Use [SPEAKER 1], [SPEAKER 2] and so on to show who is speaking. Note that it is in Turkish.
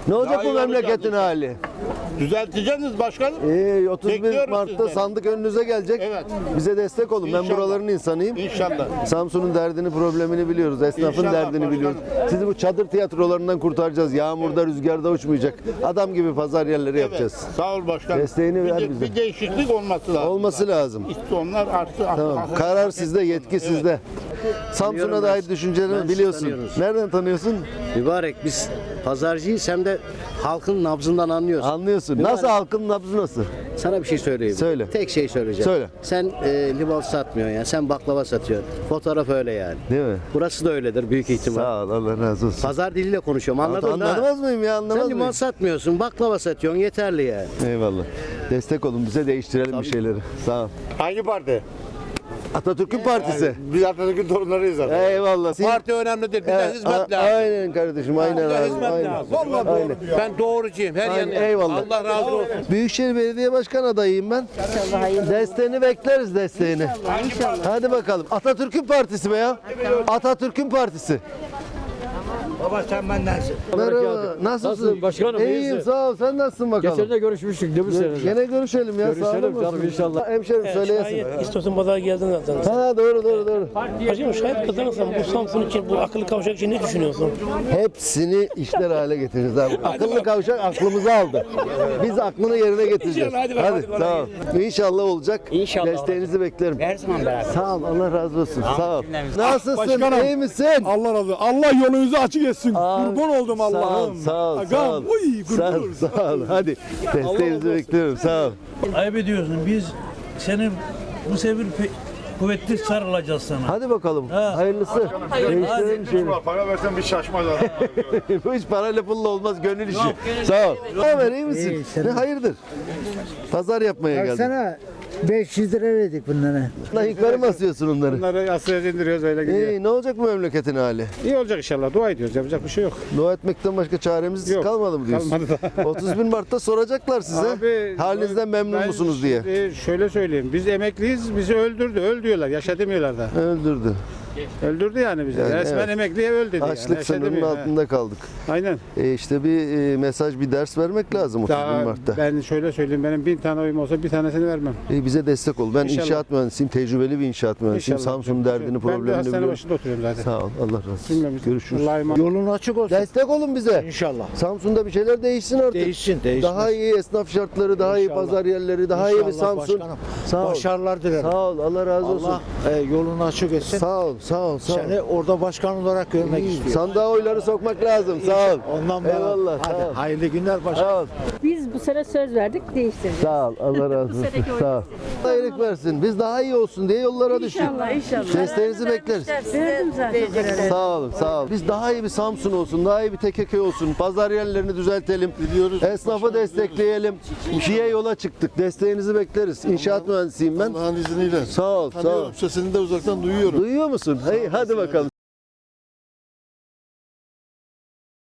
[SPEAKER 1] Ne olacak bu
[SPEAKER 2] iyi
[SPEAKER 1] memleketin
[SPEAKER 2] olacak.
[SPEAKER 1] hali?
[SPEAKER 2] Düzelteceksiniz başkanım.
[SPEAKER 1] 31
[SPEAKER 2] Bekliyoruz
[SPEAKER 1] Mart'ta
[SPEAKER 2] sizden.
[SPEAKER 1] sandık önünüze gelecek.
[SPEAKER 2] Evet.
[SPEAKER 1] Bize destek olun. Ben
[SPEAKER 2] İnşallah.
[SPEAKER 1] buraların insanıyım.
[SPEAKER 2] İnşallah.
[SPEAKER 1] Samsun'un derdini, problemini biliyoruz. Esnafın
[SPEAKER 2] İnşallah
[SPEAKER 1] derdini
[SPEAKER 2] başkanım.
[SPEAKER 1] biliyoruz. Sizi bu çadır tiyatrolarından kurtaracağız. Yağmurda, rüzgarda uçmayacak. Adam gibi pazar yerleri yapacağız.
[SPEAKER 2] Sağ ol başkanım.
[SPEAKER 1] Desteğini ver bize.
[SPEAKER 2] Bir değişiklik olması lazım.
[SPEAKER 1] Olması lazım.
[SPEAKER 2] İşte onlar artı.
[SPEAKER 1] Tamam. Karar sizde, yetki sizde. Samsun'a dair düşüncelerini biliyorsun.
[SPEAKER 3] tanıyoruz.
[SPEAKER 1] Nereden tanıyorsun?
[SPEAKER 3] Mübarek biz pazarcıyız hem de halkın nabzından anlıyoruz.
[SPEAKER 1] Anlıyorsun. Nasıl halkın nabzı nasıl?
[SPEAKER 3] Sana bir şey söyleyeyim.
[SPEAKER 1] Söyle.
[SPEAKER 3] Tek şey söyleyeceğim.
[SPEAKER 1] Söyle.
[SPEAKER 3] Sen limon satmıyorsun ya. Sen baklava satıyorsun. Fotoğraf öyle yani.
[SPEAKER 1] Değil mi?
[SPEAKER 3] Burası da öyledir büyük ihtimal.
[SPEAKER 1] Sağ ol. Allah razı olsun.
[SPEAKER 3] Pazar diliyle konuşuyorum. Anladın mı?
[SPEAKER 1] Anlamaz mıyım ya? Anlamaz
[SPEAKER 3] Sen limon
[SPEAKER 1] mıyım?
[SPEAKER 3] satmıyorsun. Baklava satıyorsun. Yeterli yani.
[SPEAKER 1] Eyvallah. Destek olun. Bize değiştirelim bir şeyleri. Sağ ol.
[SPEAKER 2] Hangi parti?
[SPEAKER 1] Atatürk'ün partisi.
[SPEAKER 2] Biz Atatürk'ün torunlarıyız zaten.
[SPEAKER 1] Eyvallah.
[SPEAKER 2] Parti önemli değil. Bize hizmet lazım.
[SPEAKER 1] Aynen kardeşim. Aynen abi.
[SPEAKER 2] Hizmet
[SPEAKER 1] Aynen.
[SPEAKER 2] lazım. Vallahi
[SPEAKER 1] Aynen.
[SPEAKER 2] Ben doğrucuyum. Her
[SPEAKER 1] Aynen,
[SPEAKER 2] yanı.
[SPEAKER 1] eyvallah.
[SPEAKER 2] Allah razı olsun.
[SPEAKER 1] Büyükşehir Belediye Başkan adayıyım ben. Desteğini bekleriz desteğini. Hadi bakalım. Atatürk'ün partisi be ya. Atatürk'ün partisi.
[SPEAKER 4] Baba sen bendensin.
[SPEAKER 1] Merhaba. Nasılsın?
[SPEAKER 5] Nasılsın başkanım,
[SPEAKER 1] İyiyim
[SPEAKER 5] iyisin?
[SPEAKER 1] sağ ol. Sen nasılsın bakalım?
[SPEAKER 5] Geçen de görüşmüştük değil mi seninle?
[SPEAKER 1] Gene görüşelim ya.
[SPEAKER 5] Görüşelim
[SPEAKER 1] sağ olun.
[SPEAKER 5] canım, inşallah.
[SPEAKER 1] Hemşerim söyleyesin.
[SPEAKER 6] Şayet istiyorsan pazara geldin zaten.
[SPEAKER 1] Ha doğru.
[SPEAKER 6] Hacım şayet kazanırsan bu Samsun için, bu akıllı kavşak için ne düşünüyorsun?
[SPEAKER 1] Hepsini işler hale getireceğiz abi. Akıllı kavşak aklımızı aldı. Biz aklını yerine getireceğiz.
[SPEAKER 6] İnşallah, hadi bakalım, hadi
[SPEAKER 1] sağ ol. İnşallah olacak.
[SPEAKER 4] İnşallah.
[SPEAKER 1] Desteğinizi beklerim.
[SPEAKER 4] Her zaman beraber.
[SPEAKER 1] Sağ ol. Allah razı olsun. Sağ ol. Nasılsın?
[SPEAKER 7] Başkanım.
[SPEAKER 1] İyi misin?
[SPEAKER 7] Allah razı olsun. Allah yolunuzu açık etsin. Kurban oldum Allah'ım.
[SPEAKER 1] Sağ ol.
[SPEAKER 7] Agam, uy, kurban
[SPEAKER 1] Sağ ol.
[SPEAKER 7] olursun.
[SPEAKER 1] Sağ ol. Hadi. Desteğinizi bekliyorum. Sağ ol.
[SPEAKER 8] Ayıp ediyorsun. Biz senin bu sefer kuvvetli sarılacağız sana.
[SPEAKER 1] Hadi bakalım.
[SPEAKER 8] Ha.
[SPEAKER 1] Hayırlısı. Değiştirelim şeyi.
[SPEAKER 2] Para versen bir şaşmaz
[SPEAKER 1] Bu iş parayla pulla olmaz. Gönül işi. Sağ ol. Ne haber? İyi misin? Ne hayırdır? Pazar yapmaya geldim.
[SPEAKER 4] Baksana 500 lira verdik bunlara.
[SPEAKER 1] Lan yukarı mı asıyorsun onları?
[SPEAKER 7] Bunları asıya indiriyoruz öyle gidiyor.
[SPEAKER 1] İyi, ne olacak bu memleketin hali?
[SPEAKER 7] İyi olacak inşallah. Dua ediyoruz. Yapacak bir şey yok.
[SPEAKER 1] Dua etmekten başka çaremiz
[SPEAKER 7] Yok,
[SPEAKER 1] kalmadı mı diyorsun?
[SPEAKER 7] kalmadı da.
[SPEAKER 1] 31 Mart'ta soracaklar size.
[SPEAKER 7] Abi,
[SPEAKER 1] halinizden memnun
[SPEAKER 7] ben
[SPEAKER 1] musunuz diye.
[SPEAKER 7] şimdi şöyle söyleyeyim. Biz emekliyiz. Bizi öldürdü. Öl diyorlar. Yaşa demiyorlar da.
[SPEAKER 1] Öldürdü.
[SPEAKER 7] Öldürdü yani bizi.
[SPEAKER 1] Yani
[SPEAKER 7] Resmen
[SPEAKER 1] evet.
[SPEAKER 7] emekliye öl dedi.
[SPEAKER 1] Açlık
[SPEAKER 7] yani. Yaşa
[SPEAKER 1] sınırının
[SPEAKER 7] demiyor, ha.
[SPEAKER 1] altında kaldık.
[SPEAKER 7] Aynen.
[SPEAKER 1] İşte bir mesaj, bir ders vermek lazım 31
[SPEAKER 7] Daha
[SPEAKER 1] Mart'ta.
[SPEAKER 7] ben şöyle söyleyeyim. Benim 1000 tane oyum olsa bir tanesini vermem.
[SPEAKER 1] Bize destek ol. Ben
[SPEAKER 7] İnşallah.
[SPEAKER 1] inşaat mühendisiyim, tecrübeli bir inşaat mühendisiyim.
[SPEAKER 7] İnşallah.
[SPEAKER 1] Samsun'un derdini,
[SPEAKER 7] Ben de
[SPEAKER 1] problemini
[SPEAKER 7] hastane
[SPEAKER 1] biliyorum.
[SPEAKER 7] başında oturuyorum zaten.
[SPEAKER 1] Sağ ol. Allah razı olsun.
[SPEAKER 7] Bilmiyorum.
[SPEAKER 1] Görüşürüz.
[SPEAKER 7] Allah'a emanet.
[SPEAKER 4] Yolun açık olsun.
[SPEAKER 1] Destek olun bize.
[SPEAKER 4] İnşallah.
[SPEAKER 1] Samsun'da bir şeyler değişsin artık.
[SPEAKER 4] Değişsin.
[SPEAKER 1] Daha iyi esnaf şartları, daha iyi
[SPEAKER 4] İnşallah.
[SPEAKER 1] pazar yerleri, daha iyi bir
[SPEAKER 4] İnşallah
[SPEAKER 1] Samsun.
[SPEAKER 4] başkanım.
[SPEAKER 1] Sağ ol.
[SPEAKER 4] Başarılar dilerim.
[SPEAKER 1] Sağ ol. Allah razı olsun.
[SPEAKER 4] Allah yolunu açık etsin.
[SPEAKER 1] Sağ ol. Sağ ol. Sağ ol.
[SPEAKER 4] Seni orada başkan olarak görmek istiyorum.
[SPEAKER 1] Sandığa oyları sokmak lazım. Sağ ol.
[SPEAKER 4] Ondan beraber.
[SPEAKER 1] Eyvallah.
[SPEAKER 4] Hadi
[SPEAKER 1] Sağ ol.
[SPEAKER 4] hayırlı günler başkanım.
[SPEAKER 1] Sağ ol.
[SPEAKER 9] Biz bu sene söz verdik, değiştireceğiz.
[SPEAKER 1] Sağ ol. Allah razı olsun.
[SPEAKER 9] seneki
[SPEAKER 1] Sağ ol. Hayırlık versin. Biz daha iyi olsun diye yollara düştük.
[SPEAKER 9] İnşallah.
[SPEAKER 1] Desteğinizi bekleriz.
[SPEAKER 9] Verdim zaten.
[SPEAKER 1] Sağ olun, sağ olun. Biz daha iyi bir Samsun olsun, daha iyi bir TKK olsun. Pazar yerlerini düzeltelim. Biliyoruz. Esnafı destekleyelim. İşe yola çıktık. Desteğinizi bekleriz. İnşaat mühendisiyim ben.
[SPEAKER 10] Allah'ın izniyle.
[SPEAKER 1] Sağ ol, sağ ol.
[SPEAKER 10] Tanıyorum, sesini de uzaktan duyuyorum.
[SPEAKER 1] Duyuyor musun? Hey, hadi bakalım.